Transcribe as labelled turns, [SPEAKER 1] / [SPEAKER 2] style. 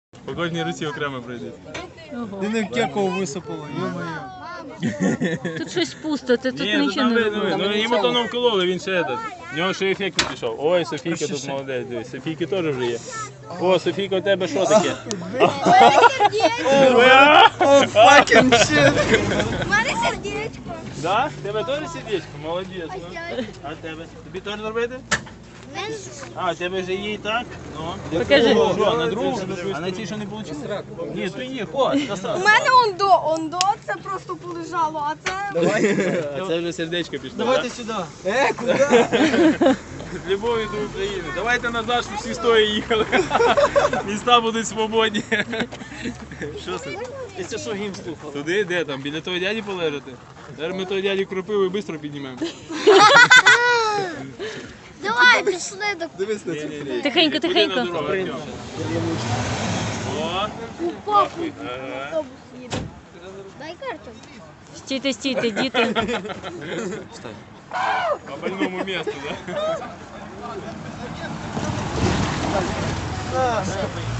[SPEAKER 1] По кожній руці окремо пройдуть.
[SPEAKER 2] Ти не в кекову висипало, йо-моє.
[SPEAKER 3] Тут щось пусто, ти тут
[SPEAKER 1] Ні,
[SPEAKER 3] нічого не робиш.
[SPEAKER 1] ну йому то не вкололи, він ще этот. В нього ще ефект не пішов. Ой, Софійка тут молодець, дивись. Софійки теж вже є. О, Софійка, у тебе що таке?
[SPEAKER 2] О, fucking shit!
[SPEAKER 4] У мене сердечко.
[SPEAKER 1] Да? В тебе теж сердечко? Молодець. ну. А в тебе? Тобі теж зробити? А, у тебе вже є і так? Ну.
[SPEAKER 3] Покажи.
[SPEAKER 1] Що, на другу? А на цій що не вийшло? Ні, то є, ходь.
[SPEAKER 4] У мене ондо, це просто полежало, а це...
[SPEAKER 1] А це вже сердечко пішло.
[SPEAKER 2] Давайте
[SPEAKER 1] да?
[SPEAKER 2] сюди. Куди?
[SPEAKER 1] З любов'ю до України. Давайте назад, щоб всі стоя їхали. Міста будуть свободні. Що це?
[SPEAKER 2] Якщо що, гімн слухав.
[SPEAKER 1] Туди, де там? Біля того дяді полежати? Зараз ми того дяді кропиву і швидко піднімемо.
[SPEAKER 4] Давай, пішли до...
[SPEAKER 2] Дивись на цю.
[SPEAKER 3] Тихенько,
[SPEAKER 1] Куди
[SPEAKER 3] тихенько.
[SPEAKER 1] на дорогу, Артем? О,
[SPEAKER 4] папу.
[SPEAKER 1] ага.
[SPEAKER 4] Автобус їде. Дай карту.
[SPEAKER 3] Стійте, стійте, діти.
[SPEAKER 1] По больному месту, да?